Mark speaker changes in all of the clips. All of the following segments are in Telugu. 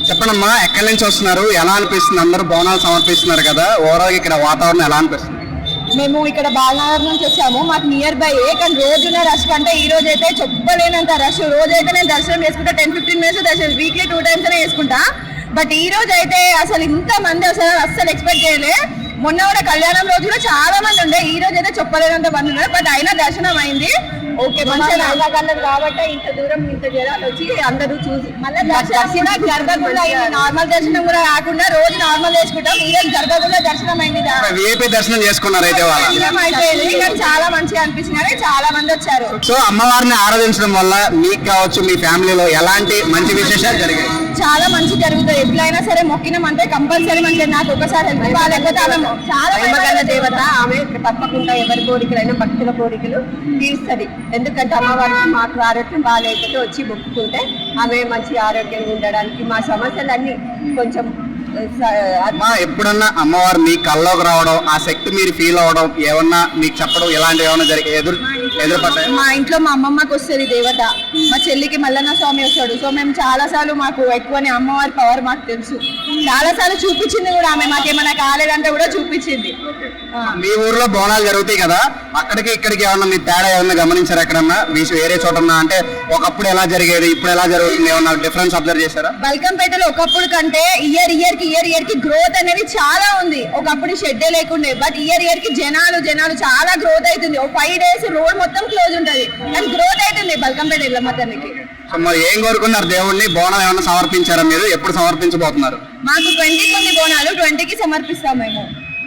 Speaker 1: చెప్పండమ్మా, ఎక్కడి నుంచి వస్తున్నారు, ఎలా అనిపిస్తుంది? అందరూ బోనాలు సమర్పిస్తున్నారు కదా, ఓవరాల్ ఇక్కడ వాతావరణం ఎలా అనిపిస్తుంది?
Speaker 2: మేము ఇక్కడ బాలనగర్ నుంచి వచ్చాము. మాకు నియర్ బై కానీ రోజున రష్ కంటే ఈ రోజు అయితే చెప్పలేనంత రష్. రోజైతే నేను దర్శనం చేసుకుంటా 10-15 మినిట్స్ దర్శనం, వీక్లీ 2 times అనే చేసుకుంటా. బట్ ఈ రోజు అయితే అసలు ఇంత మంది అస్సలు ఎక్స్పెక్ట్ చేయలే. మొన్న కూడా కళ్యాణం రోజులో చాలా మంది ఉండే, ఈ రోజు అయితే చెప్పలేనంత మంది ఉన్నారు. బట్ అయినా దర్శనం అయింది. ఓకే, మంచిగా కలర్ కాబట్టి ఇంత దూరం ఇంత జనాలు వచ్చి అందరూ చూసి మళ్ళీ దర్శనం జరగకుండా అయింది. నార్మల్ దర్శనం కూడా కాకుండా రోజు నార్మల్ చేసుకుంటాం, ఈ రోజు జరగకుండా దర్శనం అయింది.
Speaker 1: దర్శనం చేసుకున్నారు అయితే
Speaker 2: అయిపోయింది, కానీ చాలా మంచిగా అనిపించింది. చాలా మంది వచ్చారు.
Speaker 1: సో అమ్మవారిని ఆరాధించడం వల్ల మీకు కావచ్చు, మీ ఫ్యామిలీలో ఎలాంటి మంచి విశేషాలు జరిగాయి?
Speaker 2: చాలా మంచి జరుగుతుంది. ఎట్లయినా సరే మొక్కినామంటే కంపల్సరీ మంచిది. నాకు ఒకసారి హెల్త్ బాగాలేకపోతే ఆమె చాలా ప్రేమగల దేవత. ఆమె తప్పకుండా ఎవరి కోరికలైనా భక్తుల కోరికలు తీరుస్తుంది. ఎందుకంటే అమ్మవారికి మాకు ఆరోగ్యం బాగాలేకపోతే వచ్చి మొక్కుకుంటే ఆమె మంచి ఆరోగ్యంగా ఉండడానికి మా సమస్యలన్నీ కొంచెం.
Speaker 1: ఎప్పుడన్నా అమ్మవారు మీ కల్లోకి రావడం, ఆ శక్తి మీరు ఫీల్ అవడం, ఏమన్నా మీకు చెప్పడం, ఇలాంటి ఏమన్నా జరిగే ఎదురుపడ్డాయి?
Speaker 2: మా ఇంట్లో మా అమ్మమ్మకి వస్తుంది దేవత, మా చెల్లికి మల్లన్న స్వామి వస్తాడు. సో మేము చాలా సార్లు మాకు ఎక్కువని అమ్మవారి పవర్ మాకు తెలుసు. చాలా సార్లు చూపించింది కూడా ఆమె, మాకేమైనా కాలేదంటే కూడా చూపించింది.
Speaker 1: మీ ఊర్లో బోనాలు జరుగుతాయి కదా, అక్కడికి ఇక్కడికి ఏమన్నా మీ తేడా ఏమన్నా గమనించారు? ఎక్కడన్నా వేరే చోట అంటే ఒకప్పుడు ఎలా జరిగేది, ఇప్పుడు ఎలా జరుగుతుంది, ఏమన్నా డిఫరెన్స్ అబ్జర్వ్ చేశారా?
Speaker 2: బల్కంపేటలో ఒకప్పుడు కంటే ఇయర్ ఇయర్ కి గ్రోత్ అనేది చాలా ఉంది. ఒకప్పుడు షెడ్డే లేకుండే, బట్ ఇయర్ కి జనాలు చాలా గ్రోత్ అవుతుంది. ఒక 5 days రోడ్ మొత్తం క్లోజ్ ఉంటది, కానీ గ్రోత్ అవుతుంది బల్కంపేట ఎల్లమ్మ తల్లికి.
Speaker 1: మరి ఏం కోరుకున్నారు దేవుడిని? బోనం ఏమన్నా సమర్పించారా మీరు? ఎప్పుడు సమర్పించబోతున్నారు?
Speaker 2: మాకు 20కి ఉంది బోనాలు, 20కి సమర్పిస్తాం మేము.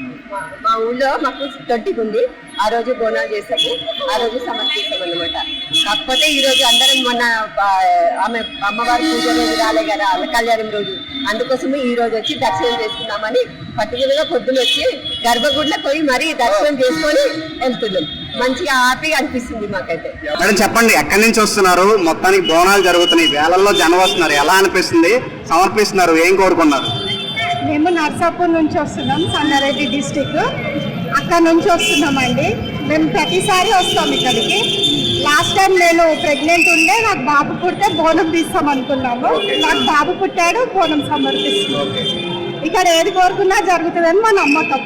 Speaker 2: మా ఊళ్ళో మాకు 20కి ఉంది, ఆ రోజు బోనాలు చేస్తాము, ఆ రోజు సమర్పిస్తాం అనమాట. కాకపోతే ఈ రోజు అందరం మొన్న ఆమె అమ్మవారి పూజ రోజు రాలే కదా, కళ్యాణం రోజు, అందుకోసమే ఈ రోజు వచ్చి దర్శనం చేసుకున్నామని పర్టికులర్గా పొద్దున వచ్చి గర్భగుడిలో పోయి మరీ దర్శనం చేసుకొని వెళ్తున్నాం. మంచిగా హ్యాపీగా అనిపిస్తుంది మాకైతే.
Speaker 1: మేడం చెప్పండి, ఎక్కడి నుంచి వస్తున్నారు? మొత్తానికి బోనాలు జరుగుతున్నాయి, వేలల్లో జనం వస్తున్నారు, ఎలా అనిపిస్తుంది? సమర్పిస్తున్నారు, ఏం కోరుకున్నారు?
Speaker 2: మేము నర్సాపూర్ నుంచి వస్తున్నాం, సంగారెడ్డి డిస్టిక్. అక్కడ నుంచి వస్తున్నామండి. మేము ప్రతిసారి వస్తాం ఇక్కడికి. లాస్ట్ టైం నేను ప్రెగ్నెంట్ ఉండే, నాకు బాబు పుడితే బోనం తీస్తాం అనుకున్నాము. నాకు బాబు పుట్టాడు, బోనం సమర్పిస్తున్నాం. ఇక్కడ ఏది కోరుకున్నా జరుగుతుందని మా నమ్మకం.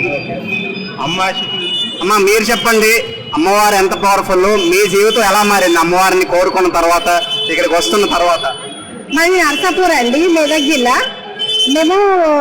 Speaker 1: అమ్మ మీరు చెప్పండి, అమ్మవారు ఎంత పవర్ఫుల్, మీ జీవితం ఎలా మారింది అమ్మవారిని కోరుకున్న తర్వాత, ఇక్కడికి వస్తున్న తర్వాత?
Speaker 2: మాది నర్సాపూర్ అండి, మెదక్ జిల్లా. మేము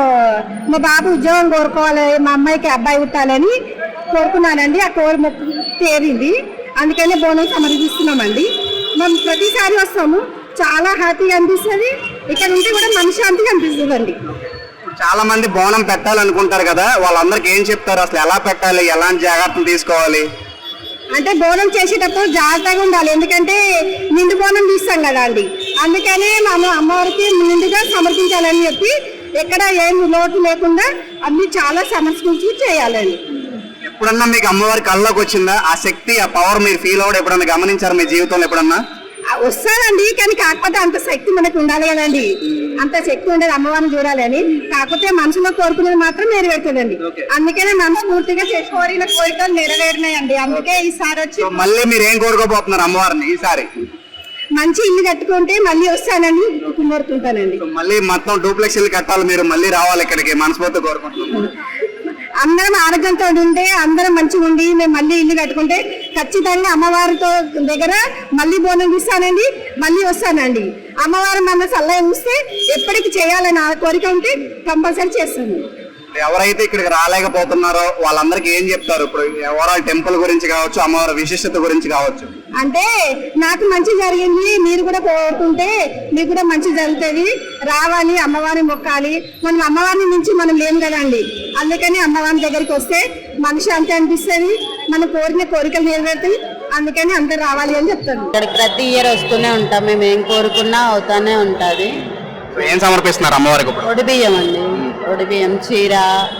Speaker 2: మా బాబు ఉద్యోగం కోరుకోవాలి, మా అమ్మాయికి అబ్బాయి పుట్టాలని కోరుకున్నానండి. ఆ కోరి మొక్కు తీరింది, అందుకనే బోనం సమర్పిస్తున్నామండి. మేము ప్రతిసారి వస్తాము, చాలా హ్యాపీగా అనిపిస్తుంది. ఇక్కడ ఉంటే కూడా మనశ్శాంతిగా అనిపిస్తుంది అండి.
Speaker 1: చాలా మంది బోనం పెట్టాలనుకుంటారు కదా, వాళ్ళందరికి ఏం చెప్తారు? అసలు ఎలా పెట్టాలి, ఎలాంటి జాగ్రత్తలు తీసుకోవాలి?
Speaker 2: అంటే బోనం చేసేటప్పుడు జాగ్రత్తగా ఉండాలి, ఎందుకంటే నిండు బోనం తీస్తాం కదా అండి. అందుకనే మనం అమ్మవారికి నిండుగా సమర్పించాలని చెప్పి ఎక్కడ ఏం లోటు లేకుండా అన్ని చాలా సమర్పించి చేయాలండి.
Speaker 1: ఎప్పుడన్నా మీకు అమ్మవారి కళ్ళలోకి వచ్చిందా ఆ శక్తి, ఆ పవర్ మీరు ఫీల్ అవ్వడం ఎప్పుడన్నా గమనించారు మీ జీవితంలో? ఎప్పుడన్నా
Speaker 2: వస్తానండి, కానీ కాకపోతే అంత శక్తి మనకు ఉండాలి కదండి. అంత శక్తి ఉండేది అమ్మవారిని చూడాలి అని. కాకపోతే మనసులో కోరుకునేది మాత్రం నెరవేరుతుందండి. అందుకనే మనస్ఫూర్తిగా కోరిన కోరికలు నెరవేరినాయండి. అందుకే ఈసారి వచ్చి
Speaker 1: మళ్ళీ మీరు ఏం కోరుకోబోతున్నారు అమ్మవారిని? ఈసారి
Speaker 2: మంచి ఇల్లు కట్టుకుంటే మళ్ళీ వస్తానని కోరుకుంటానండి.
Speaker 1: మళ్ళీ మొత్తం డూప్లెక్స్ ఇల్లు కట్టాలి, మీరు మళ్ళీ రావాలి ఇక్కడికి, మనస్ఫూర్తిగా కోరుకుంటున్నాను.
Speaker 2: అందరం ఆరోగ్యంతో ఉంటే, అందరం మంచిగా ఉండి మేము మళ్ళీ ఇల్లు కట్టుకుంటే ఖచ్చితంగా అమ్మవారితో దగ్గర మళ్ళీ బోనం తీస్తానండి, మళ్ళీ వస్తానండి. అమ్మవారు మన సలహా చూస్తే ఎప్పటికి చేయాలని కోరిక ఉంటే కంపల్సరీ చేస్తాను.
Speaker 1: ఎవరైతే ఇక్కడికి రాలేకపోతున్నారో వాళ్ళందరికీ ఏం చెప్తారు? ఇప్పుడు ఓవరాల్ టెంపుల్ గురించి కావచ్చు, అమ్మవారి విశిష్టత గురించి కావచ్చు.
Speaker 2: అంటే నాకు మంచి జరిగింది, మీరు కూడా కోరుకుంటే మీకు కూడా మంచి జరుగుతుంది. రావాలి, అమ్మవారిని మొక్కాలి. మనం అమ్మవారిని నుంచి మనం లేము కదండి. అందుకని అమ్మవారి దగ్గరికి వస్తే మనిషి అంతే అనిపిస్తుంది, మనం కోరిన కోరికలు నెరవేరుతాయి. అందుకని అందరు రావాలి అని చెప్తాను.
Speaker 3: ఇక్కడికి ప్రతి ఇయర్ వస్తూనే ఉంటాం, మేము ఏం కోరుకున్నా అవుతానే ఉంటుంది.
Speaker 1: ఏం సమర్పిస్తున్నారు అమ్మవారికి?
Speaker 3: ఒడిబియ్యం అండి, ఒడిబియ్యం, చీర,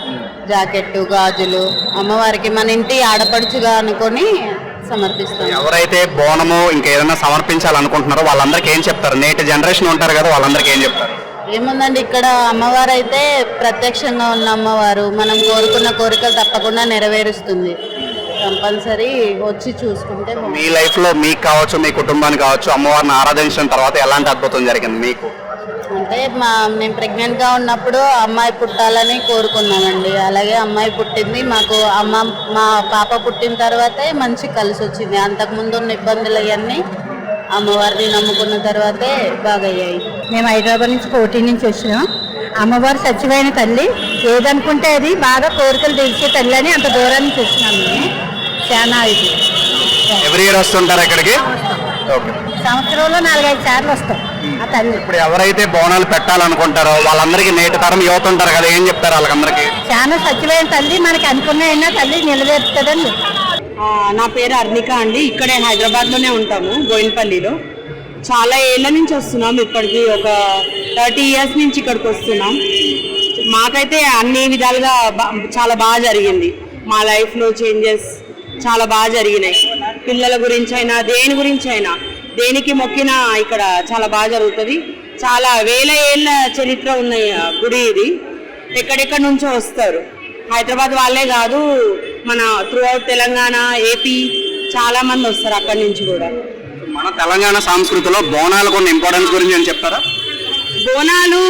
Speaker 3: జాకెట్, గాజులు అమ్మవారికి మన ఇంటి ఆడపడుచుగా అనుకొని సమర్పిస్తాం.
Speaker 1: ఎవరైతే బోనము ఇంకేదైనా సమర్పించాలనుకుంటున్నారో వాళ్ళందరికీ ఏం చెప్తారు? నేటి జనరేషన్ ఉంటారు కదా, వాళ్ళందరికీ ఏం చెప్తారు?
Speaker 3: ఏముందండి, ఇక్కడ అమ్మవారు అయితే ప్రత్యక్షంగా ఉన్న అమ్మవారు, మనం కోరుకున్న కోరికలు తప్పకుండా నెరవేరుస్తుంది. కంపల్సరీ వచ్చి చూసుకుంటే.
Speaker 1: మీ లైఫ్ లో మీకు కావచ్చు, మీ కుటుంబానికి కావచ్చు, అమ్మవారిని ఆరాధించిన తర్వాత ఎలాంటి అద్భుతం జరిగింది మీకు?
Speaker 3: అంటే అంటే నేను ప్రెగ్నెంట్గా ఉన్నప్పుడు అమ్మాయి పుట్టాలని కోరుకున్నామండి. అలాగే అమ్మాయి పుట్టింది. మాకు మా పాప పుట్టిన తర్వాతే మంచి కలిసి వచ్చింది. అంతకుముందు ఉన్న ఇబ్బందులు అవన్నీ అమ్మవారిని నమ్ముకున్న తర్వాతే బాగయ్యాయి.
Speaker 4: మేము హైదరాబాద్ నుంచి కోటి నుంచి వచ్చినాం. అమ్మవారు సత్యమైన తల్లి, ఏదనుకుంటే అది బాగా కోరికలు తీర్చే తల్లి అని అంత దూరం నుంచి వచ్చినాము. మేము చాలా ఇది
Speaker 1: ఎవ్రీ ఇయర్ వస్తుంటారు ఇక్కడికి? ఓకే.
Speaker 4: సంవత్సరంలో 4-5 సార్లు వస్తాం ఆ తల్లి.
Speaker 1: ఇప్పుడు ఎవరైతే బోనాలు పెట్టాలనుకుంటారో వాళ్ళందరికీ నేటి తరం యువత ఉంటారు కదా, ఏం చెప్తారు వాళ్ళందరికీ?
Speaker 4: చాలా సత్యమైన తల్లి, మనకి అనుకున్న తల్లి నిలవేరుతుందండి.
Speaker 5: నా పేరు అర్నిక అండి. ఇక్కడే హైదరాబాద్లోనే ఉంటాము, బోయినపల్లిలో. చాలా ఏళ్ళ నుంచి వస్తున్నాం. ఇప్పటికి ఒక 30 years నుంచి ఇక్కడికి వస్తున్నాం. మాకైతే అన్ని విధాలుగా చాలా బాగా జరిగింది. మా లైఫ్లో చేంజెస్ చాలా బాగా జరిగినాయి. పిల్లల గురించి అయినా దేని గురించి అయినా దేనికి మొక్కినా ఇక్కడ చాలా బాగా జరుగుతుంది. చాలా వేల ఏళ్ళ చరిత్ర ఉన్న గుడి ఇది. ఎక్కడెక్కడి నుంచో వస్తారు. హైదరాబాద్ వాళ్ళే కాదు, మన త్రూఅవుట్ తెలంగాణ, ఏపీ చాలా మంది వస్తారు అక్కడి నుంచి కూడా.
Speaker 1: మన తెలంగాణ సంస్కృతిలో బోనాలకు ఉన్న ఇంపార్టెన్స్ గురించి ఏం చెప్తారా?
Speaker 5: బోనాలు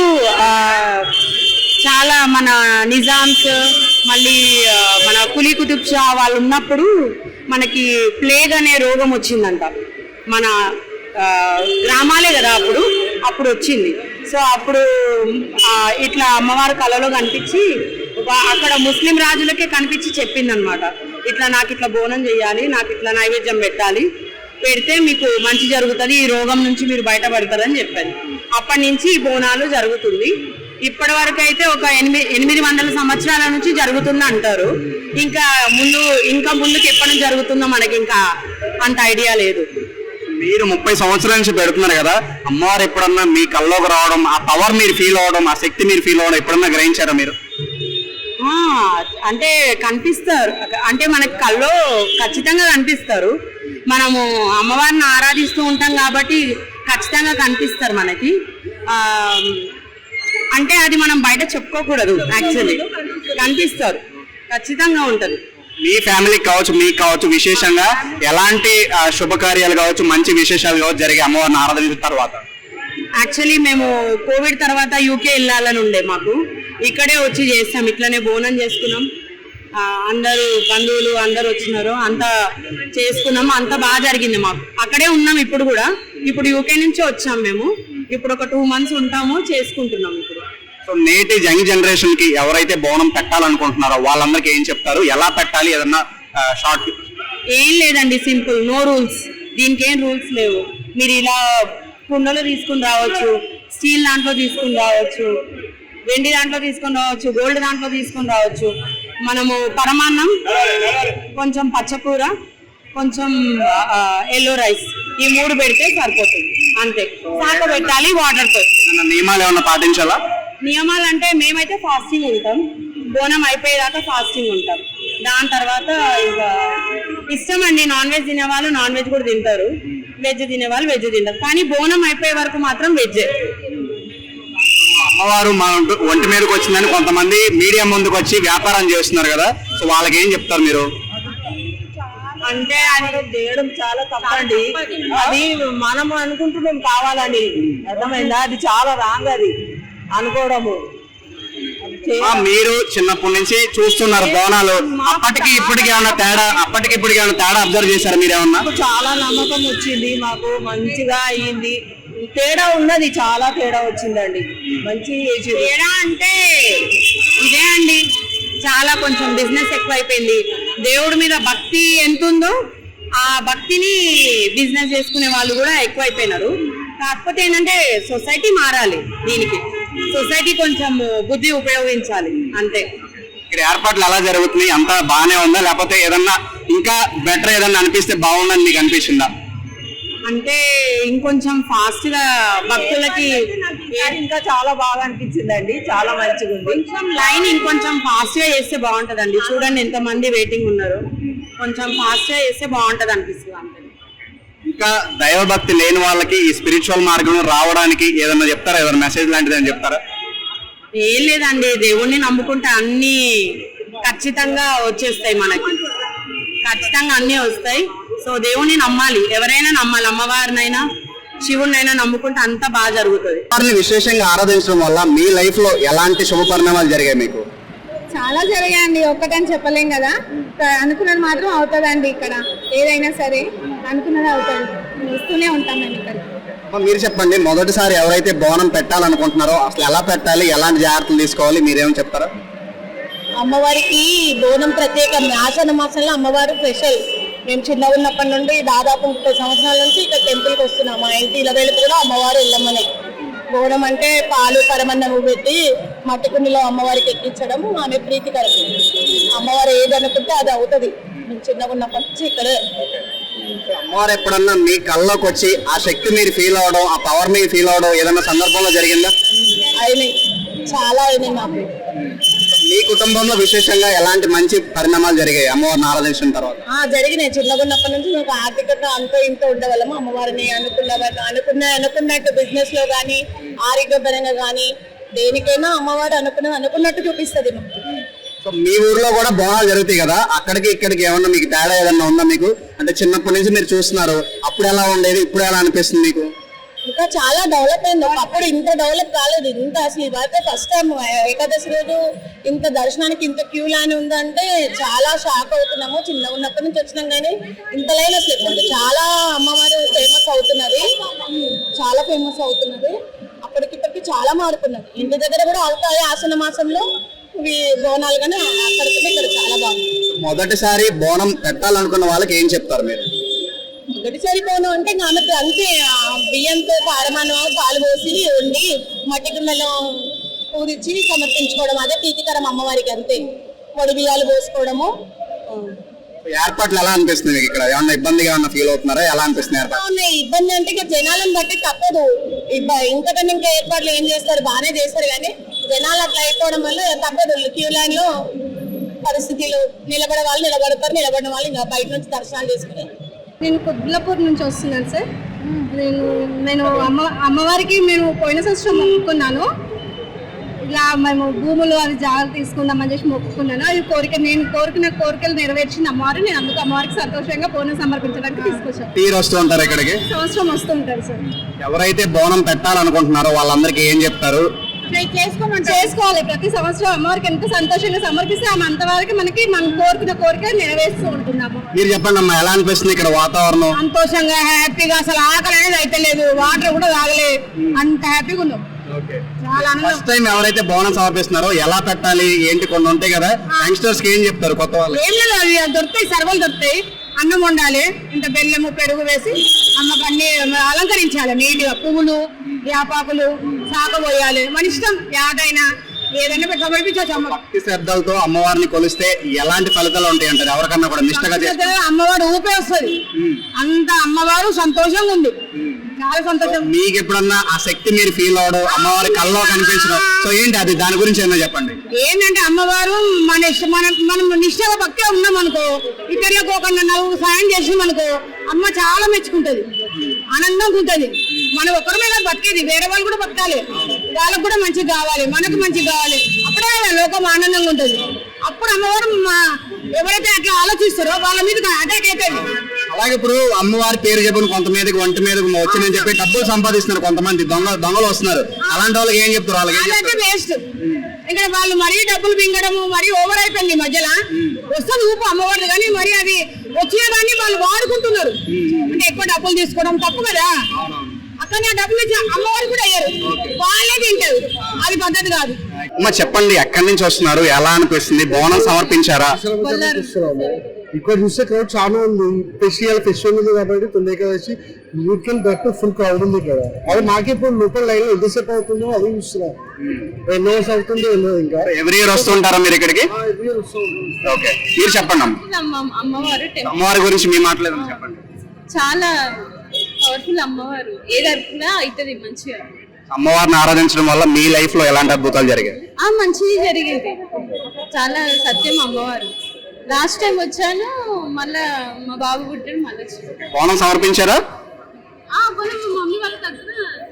Speaker 5: చాలా మన నిజామ్స్, మళ్ళీ మన కులీ కుతుబ్ షా వాళ్ళు ఉన్నప్పుడు మనకి ప్లేగ్ అనే రోగం వచ్చిందంట. మన గ్రామాలే కదా అప్పుడు వచ్చింది. సో అప్పుడు ఇట్లా అమ్మవారు కళలో కనిపించి అక్కడ ముస్లిం రాజులకే కనిపించి చెప్పిందనమాట, ఇట్లా నాకు ఇట్లా బోనం చేయాలి, నాకు ఇట్లా నైవేద్యం పెట్టాలి, పెడితే మీకు మంచి జరుగుతుంది, ఈ రోగం నుంచి మీరు బయటపడతారని చెప్పారు. అప్పటి నుంచి ఈ బోనాలు జరుగుతుంది. ఇప్పటి వరకు అయితే ఒక 800 సంవత్సరాల నుంచి జరుగుతుంది అంటారు. ఇంకా ముందుకు ఎప్పటి నుంచి జరుగుతుందో మనకి ఇంకా అంత ఐడియా లేదు.
Speaker 1: మీరు 30 సంవత్సరాల నుంచి పెడుతున్నారు కదా, అమ్మవారు ఎప్పుడన్నా మీ కల్లోకి రావడం, ఆ పవర్ మీరు ఫీల్ అవడం, ఆ శక్తి మీరు ఫీల్ అవడం ఎప్పుడన్నా గ్రహించారా మీరు?
Speaker 5: అంటే కనిపిస్తారు, అంటే మనకి కల్లో ఖచ్చితంగా కనిపిస్తారు. మనము అమ్మవారిని ఆరాధిస్తూ ఉంటాం కాబట్టి ఖచ్చితంగా కనిపిస్తారు మనకి. అంటే అది మనం బయట చెప్పుకోకూడదు, యాక్చువల్లీ కనిపిస్తారు, ఖచ్చితంగా ఉంటుంది.
Speaker 1: మీ ఫ్యామిలీకి కావచ్చు, మీకు కావచ్చు, విశేషంగా ఎలాంటి శుభకార్యాలు కావచ్చు, మంచి విశేషాలు కావచ్చు జరిగే అమ్మవారిని ఆరాధించిన తర్వాత?
Speaker 5: యాక్చువల్లీ మేము కోవిడ్ తర్వాత యూకే వెళ్ళాలని ఉండే, మాకు ఇక్కడే వచ్చి చేస్తాం. ఇట్లనే బోనం చేసుకున్నాం, అందరూ బంధువులు అందరు వచ్చినారు, అంతా చేసుకున్నాము, అంతా బాగా జరిగింది. మాకు అక్కడే ఉన్నాం ఇప్పుడు కూడా. ఇప్పుడు యూకే నుంచి వచ్చాం మేము. ఇప్పుడు ఒక 2 months ఉంటాము, చేసుకుంటున్నాం ఇప్పుడు.
Speaker 1: సో నేటి యంగ్ జనరేషన్ కి ఎవరైతే బోనం పెట్టాలనుకుంటున్నారో వాళ్ళందరికీ ఏం చెప్తారు? ఎలా పెట్టాలి? ఏదన్నా షార్ట్?
Speaker 5: ఏం లేదండి, సింపుల్, నో రూల్స్. దీనికి ఏం రూల్స్ లేవు. మీరు ఇలా కుండలో తీసుకుని రావచ్చు, స్టీల్ దాంట్లో తీసుకుని రావచ్చు, వెండి దాంట్లో తీసుకొని రావచ్చు, గోల్డ్ దాంట్లో తీసుకొని రావచ్చు. మనము పరమాన్నం, కొంచెం పచ్చకూర, కొంచెం ఎల్లో రైస్, ఈ 3 పెడితే సరిపోతుంది, అంతే. సాక పెట్టాలి వాటర్తో.
Speaker 1: నియమాలు ఏమన్నా పాటించాలా?
Speaker 5: నియమాలు అంటే మేమైతే ఫాస్టింగ్ ఉంటాం, బోనం అయిపోయేదాకా ఫాస్టింగ్ ఉంటాం. దాని తర్వాత ఇంకా ఇష్టం అండి, నాన్ వెజ్ తినేవాళ్ళు నాన్ వెజ్ కూడా తింటారు, వెజ్ తినేవాళ్ళు వెజ్ తింటారు. కానీ బోనం అయిపోయే వరకు మాత్రం వెజ్.
Speaker 1: అమ్మవారు మా ఒంటి మీదకి వచ్చిందని కొంతమంది మీడియా ముందుకు వచ్చి వ్యాపారం చేస్తున్నారు కదా, సో వాళ్ళకి ఏం చెప్తారు మీరు?
Speaker 5: అంటే అది చేయడం చాలా తప్పండి. అది మనం అనుకుంటున్నాం కావాలని, అర్థమైందా? అది చాలా రాంగ్, అది అనుకోవడము.
Speaker 1: మీరు చిన్నప్పటి నుంచి చూస్తున్నారు బోనాలు, అప్పటికి ఇప్పటికి ఏమన్నా తేడా అబ్జర్వ్ చేశారు మీరేమన్నా?
Speaker 5: చాలా నమ్మకం వచ్చింది, మాకు మంచిగా అయ్యింది. తేడా ఉన్నది, చాలా తేడా వచ్చిందండి. మంచి తేడా అంటే ఇదే అండి, చాలా కొంచెం బిజినెస్ ఎక్కువైపోయింది. దేవుడి మీద భక్తి ఎంత ఉందో ఆ భక్తిని బిజినెస్ చేసుకునే వాళ్ళు కూడా ఎక్కువైపోయినారు. కాకపోతే ఏంటంటే సొసైటీ మారాలి, దీనికి సొసైటీ కొంచెం బుద్ధి ఉపయోగించాలి, అంతే.
Speaker 1: ఇక్కడ ఏర్పాట్లు ఎలా జరుగుతున్నాయి? అంతా బాగానే ఉందా, లేకపోతే ఏదన్నా ఇంకా బెటర్ ఏదన్నా అనిపిస్తే బాగుందని మీకు అనిపిస్తుందా?
Speaker 5: అంటే ఇంకొంచెం ఫాస్ట్ గా భక్తులకి ఇంకా చాలా బాగా అనిపించిందండి, చాలా మంచిగా ఉంది. కొంచెం లైన్ ఇంకొంచెం ఫాస్ట్ గా చేస్తే బాగుంటదండి. చూడండి ఎంత మంది వెయిటింగ్ ఉన్నారు, కొంచెం ఫాస్ట్ గా చేస్తే బాగుంటది అనిపిస్తుంది, అంతే.
Speaker 1: ఇంకా దైవభక్తి లేని వాళ్ళకి ఈ స్పిరిచువల్ మార్గం రావడానికి ఏదన్నా చెప్తారా? ఏదైనా మెసేజ్ లాంటిది అని చెప్తారా?
Speaker 5: ఏం లేదండి, దేవుణ్ణి నమ్ముకుంటే అన్ని ఖచ్చితంగా వచ్చేస్తాయి, మనకి ఖచ్చితంగా అన్ని వస్తాయి. సో దేవుణ్ణి నమ్మాలి, ఎవరైనా నమ్మాలి, అమ్మవారినైనా శివుడినైనా నమ్ముకుంటే అంతా బాగా జరుగుతుంది.
Speaker 1: వారిని విశేషంగా ఆరాధించడం వల్ల మీ లైఫ్ లో ఎలాంటి శుభ పరిణామాలు జరిగాయి మీకు?
Speaker 2: చాలా జరిగాయండి, ఒక్కటని చెప్పలేం కదా. అనుకున్నది మాత్రం అవుతుందండి. ఇక్కడ ఏదైనా సరే అనుకున్నది అవుతుంది. వస్తూనే ఉంటాం మేము ఇక్కడ.
Speaker 1: మీరు చెప్పండి, మొదటిసారి ఎవరైతే బోనం పెట్టాలనుకుంటున్నారో అసలు ఎలా పెట్టాలి, ఎలాంటి జాగ్రత్తలు తీసుకోవాలి, మీరేమో చెప్తారా?
Speaker 2: అమ్మవారికి బోనం ప్రత్యేకం. ఆషాఢ మాసంలో అమ్మవారు స్పెషల్. మేము చిన్నగా ఉన్నప్పటి నుండి దాదాపు 30 సంవత్సరాల నుంచి ఇక్కడ టెంపుల్కి వస్తున్నాం. మా ఇంటి ఇలవేలు కూడా అమ్మవారు వెళ్ళమనే. బోనం అంటే పాలు పరమన్నము పెట్టి మట్టి కుండలో అమ్మవారికి ఎక్కించడం ఆమె ప్రీతికరం. అమ్మవారు ఏది అనుకుంటే అది అవుతుంది. మేము చిన్నగా ఉన్నప్పటి నుంచి ఇక్కడే.
Speaker 1: అమ్మవారు ఎప్పుడన్నా మీ కళ్ళలోకి వచ్చి ఆ శక్తి మీరు ఫీల్ అవడం, ఆ పవర్ మీరు ఫీల్ అవడం ఏదైనా సందర్భంలో జరిగిందా?
Speaker 2: అయినాయి, చాలా అయినాయి మాకు.
Speaker 1: మీ కుటుంబంలో విశేషంగా ఎలాంటి మంచి పరిణామాలు జరిగాయి అమ్మవారిని ఆరాధించిన తర్వాత?
Speaker 2: జరిగినాయి. చిన్నగా ఉన్నప్పటి నుంచి నాకు ఆర్థికంగా అంతో ఇంతో ఉండేవాళ్ళము. అమ్మవారిని అనుకున్నట్టు బిజినెస్ లో కానీ ఆరోగ్యపరంగా కానీ దేనికైనా అమ్మవారు అనుకున్నట్టు చూపిస్తుంది మాకు.
Speaker 1: సో మీ ఊర్లో కూడా బోనాలు జరుగుతాయి కదా, అక్కడికి ఇక్కడికి ఏమన్నా మీకు తేడా ఏదన్నా ఉందా మీకు? అంటే చిన్నప్పటి నుంచి మీరు చూస్తున్నారు, అప్పుడు ఎలా ఉండేది, ఇప్పుడు ఎలా అనిపిస్తుంది మీకు?
Speaker 2: ఇంకా చాలా డెవలప్ అయింది. ఒకప్పుడు ఇంత డెవలప్ కాలేదు. ఇంత అసలు ఇవైతే ఫస్ట్ టైం ఏకాదశి రోజు ఇంత దర్శనానికి ఇంత క్యూ లైన్ ఉందంటే చాలా షాక్ అవుతున్నాము. చిన్నగా ఉన్నప్పటి నుంచి వచ్చినాం కానీ ఇంత లైన్ అసలు ఎప్పుడు. చాలా అమ్మవారు ఫేమస్ అవుతున్నది, చాలా ఫేమస్ అవుతున్నది. అప్పటికిప్పటికి చాలా మారుతున్నది. ఇంటి దగ్గర కూడా అవుతాయి ఆషాఢ మాసంలో ఇవి బోనాలు, కానీ అక్కడికి ఇక్కడ చాలా బాగుంది.
Speaker 1: మొదటిసారి బోనం పెట్టాలనుకున్న వాళ్ళకి ఏం చెప్తారు మీరు?
Speaker 2: మొదటిసారి బోనం అంటే ఆమెకు అంతే బియ్యంతో పారమానం పాలు పోసి వండి మట్టి గిన్నెలో పూరించి సమర్పించుకోవడం, అదే ప్రీతికరం అమ్మవారికి. అంతే పొడి బియ్యాలు పోసుకోవడము.
Speaker 1: ఏర్పాట్లు ఎలా అనిపిస్తుంది మీకు? ఇక్కడ ఏమన్నా ఇబ్బందిగా ఏమన్నా ఫీల్ అవుతున్నారా? ఎలా అనిపిస్తుంది ఏర్పాట్లు?
Speaker 2: ఇబ్బంది అంటే ఇక జనాలను బట్టి తప్పదు. ఇంతకన్నా ఇంకా ఏర్పాట్లు ఏం చేస్తారు, బాగానే చేస్తారు కానీ జనాలు అట్లా అయిపోవడం వల్ల తప్పదు. క్యూ లైన్ లో పరిస్థితులు నిలబడే వాళ్ళు నిలబడతారు, నిలబడిన వాళ్ళు ఇంకా బయట నుంచి దర్శనాలు చేసుకుని.
Speaker 6: నేను కుద్లపూర్ నుంచి వస్తున్నాను సార్. నేను అమ్మవారికి మేము పోయిన సంవత్సరం మొక్కుకున్నాను. ఇలా మేము భూములు అవి జాగ్రత్త తీసుకుందామని చెప్పి మొక్కుకున్నాను. అది నేను కోరుకున్న కోరికలు నెరవేర్చిన అమ్మవారు. నేను అందుకు అమ్మవారికి సంతోషంగా బోనం సమర్పించడానికి తీసుకొచ్చాను.
Speaker 1: తీరు వస్తూ ఉంటారు ఇక్కడికి?
Speaker 6: సంవత్సరం వస్తూ ఉంటారు సార్.
Speaker 1: ఎవరైతే బోనం పెట్టాలనుకుంటున్నారో వాళ్ళందరికీ ఏం చెప్తారు?
Speaker 6: చేసుకోవాలి. ప్రతి సంవత్సరం అమ్మవారికి ఎంత సంతోషంగా సమర్పిస్తే ఆమె అంతవరకు మనకి మనం కోరుకున్న కోరిక నెరవేరుస్తూ ఉంటున్నాము.
Speaker 1: మీరు చెప్పండి అమ్మా, ఎలా అనిపిస్తుంది ఇక్కడ వాతావరణం?
Speaker 6: సంతోషంగా హ్యాపీగా, అసలు ఆకలి అనేది అయితే లేదు, వాటర్ కూడా తాగలేదు, అంత హ్యాపీగా ఉన్నాం.
Speaker 1: ఫస్ట్ టైం ఎవరైతే బోనం సమర్పిస్తున్నారో ఎలా పెట్టాలి ఏంటి కొన్ని ఉంటాయి కదా, యంగ్స్టర్స్ కి ఏం చెప్తారు కొత్త వాళ్ళు?
Speaker 6: ఏం లేదు, అవి దొరుకుతాయి, సర్వలు దొరుకుతాయి. అన్నం వండాలి, ఇంత బెల్లము పెరుగు వేసి అమ్మకు అన్ని అలంకరించాలి నీట్గా. పువ్వులు యాపాకులు శాఖ పోయాలి. మన ఇష్టం యాటైనా ఏదైనా సమర్పించవచ్చు. అమ్మ
Speaker 1: భక్తి శ్రద్ధలతో అమ్మవారిని కొలిస్తే ఎలాంటి ఫలితాలు ఉంటాయి అంటారు? ఎవరికన్నా కూడా నిష్టగా చేస్తే
Speaker 6: అమ్మవారు ఊపే వస్తుంది. అంత అమ్మవారు సంతోషంగా ఉంది, చాలా సంతోషం.
Speaker 1: మీకు ఎప్పుడన్నా ఆ శక్తి మీరు ఫీల్ అవడం, అమ్మవారి కల్లో కనిపించడం, సో ఏంటి అది, దాని గురించి ఏమన్నా చెప్పండి.
Speaker 6: ఏంటంటే అమ్మవారు మనం నిష్టగా భక్తిగా ఉన్నాం అనుకో, ఇతరులకు ఒక నలుగురు సాయం చేసినాం అనుకో, అమ్మ చాలా మెచ్చుకుంటది, ఆనందంగా ఉంటది. మనం ఒక్కరమే కాదు బతికేది, వేరే వాళ్ళు కూడా బతకాలి, వాళ్ళకు కూడా మంచిగా కావాలి, మనకు మంచిగా కావాలి. అప్పుడే లోకం ఆనందంగా ఉంటది. అప్పుడు అమ్మవారు ఎవరైతే అట్లా ఆలోచిస్తారో వాళ్ళ మీద అటాక్ అవుతుంది.
Speaker 1: అలాగే ఇప్పుడు అమ్మవారి పేరు చెప్పిన కొంత మీదకి ఒంటి మీదకి వచ్చిందని చెప్పి డబ్బులు సంపాదిస్తున్నారు కొంతమంది, దొంగలు వస్తున్నారు. అలాంటి వాళ్ళకి ఏం చెప్తారు?
Speaker 6: వాళ్ళకి వేస్ట్. ఇక్కడ వాళ్ళు మరీ డబ్బులు మింగడము మరీ ఓవర్ అయిపోయింది. మధ్యలో వస్తుంది ఊపు అమ్మవారిది, కానీ మరి అది వచ్చిన దాన్ని వాళ్ళు వాడుకుంటున్నారు. అంటే ఎక్కువ డబ్బులు తీసుకోవడం తప్పు కదా. అక్కడ డబ్బులు ఇచ్చి అమ్మవారు కూడా అయ్యారు, వాళ్ళే తింటారు, అది పద్ధతి కాదు.
Speaker 1: అమ్మ చెప్పండి, ఎక్కడి నుంచి వస్తున్నారు, ఎలా అనిపిస్తుంది? బోనం సమర్పించారా?
Speaker 7: ఇక్కడ చూస్తే క్రౌడ్ చాలా ఉంది. ఫెస్టివల్ ఉంది కాబట్టి తొలి ఏకాదశి యూకెన్ దట్టు ఫుల్ క్రౌడ్ ఉంది ఇక్కడ. అది మాకు ఇప్పుడు లోకల్ లైన్ ఎంతసేపు అవుతుందో అది చూస్తున్నా. 2 hours అవుతుంది ఇంకా.
Speaker 1: ఎవ్రీ ఇయర్ వస్తుంటారా మీరు ఇక్కడికి? ఓకే, మీరు చెప్పండి అమ్మవారి గురించి మీ మాటలేదు చెప్పండి.
Speaker 8: చాలా పవర్ఫుల్ అమ్మవారు, ఏది అనుకున్నా అవుతుంది మంచిగా.
Speaker 1: అమ్మవారిని ఆరాధించడం వల్ల మీ లైఫ్ లో ఎలాంటి అద్భుతాలు జరిగాయి?
Speaker 8: మంచిగా జరిగేది, చాలా సత్యం అమ్మవారు. లాస్ట్ టైం వచ్చాను, మళ్ళా మా బాబు పుట్టాడు, మళ్ళీ
Speaker 1: బోనం సమర్పించారా?
Speaker 8: మమ్మీ వాళ్ళ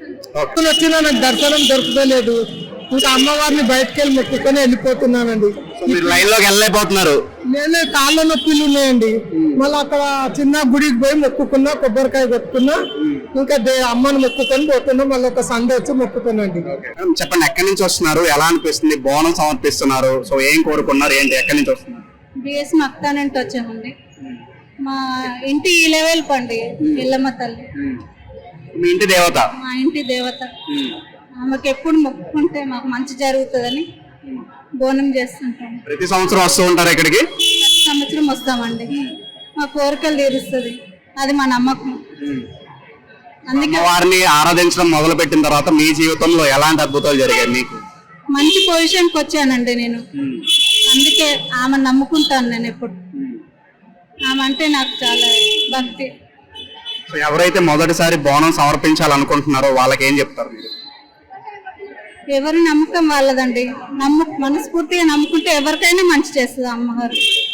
Speaker 8: తరఫున
Speaker 7: వచ్చినా నాకు దర్శనం దొరకలేదు. ఇంకా అమ్మవారిని బయటకు వెళ్ళి మొక్కుకొని వెళ్ళిపోతున్నానండి.
Speaker 1: సో మీరు లైన్ లోకి వెళ్ళలేకపోతున్నారు.
Speaker 7: నేనే కాళ్ళ నొప్పులు ఉన్నాయండి. మళ్ళీ అక్కడ చిన్న గుడికి పోయి మొక్కుకున్నా, కొబ్బరికాయ కొట్టుకున్నా, ఇంకా అమ్మని మొక్కుకొని పోతున్నా. మళ్ళీ ఒక సండే వచ్చి మొక్కుతానండి.
Speaker 1: చెప్పండి, ఎక్కడి నుంచి వస్తున్నారు, ఎలా అనిపిస్తుంది, బోనం సమర్పిస్తున్నారు, సో ఏం కోరుకున్నారు, ఏంటి, ఎక్కడి నుంచి వస్తున్నారు?
Speaker 8: బిఎస్ మక్తా నుంచి వచ్చామండి. మా ఇంటి లెవెల్ పండి ఎల్లమ్మ తల్లి,
Speaker 1: మీ ఇంటి దేవత.
Speaker 8: మా ఇంటి దేవత. ఆమెకు ఎప్పుడు మొక్కుకుంటే మాకు మంచి జరుగుతుందని బోనం చేస్తుంటాం.
Speaker 1: ప్రతి సంవత్సరం వస్తూ ఉంటారు ఇక్కడికి?
Speaker 8: ప్రతి సంవత్సరం వస్తామండి. మా కోరికలు తీరుస్తుంది, అది మా నమ్మకం. అందుకే
Speaker 1: వారిని ఆరాధించడం మొదలు పెట్టిన తర్వాత మీ జీవితంలో ఎలాంటి అద్భుతాలు జరిగాయి మీకు?
Speaker 8: మంచి పొజిషన్కి వచ్చానండి నేను. అందుకే ఆమె నమ్ముకుంటాను నేను ఎప్పుడు. ఆమె అంటే నాకు చాలా భక్తి.
Speaker 1: సో ఎవరైతే మొదటిసారి బోనం సమర్పించాలనుకుంటున్నారో వాళ్ళకి ఏం చెప్తారు మీరు?
Speaker 8: ఎవరి నమ్మకం వాళ్ళదండి. మనస్ఫూర్తిగా నమ్ముకుంటే ఎవరికైనా మంచి చేస్తుంది అమ్మగారు.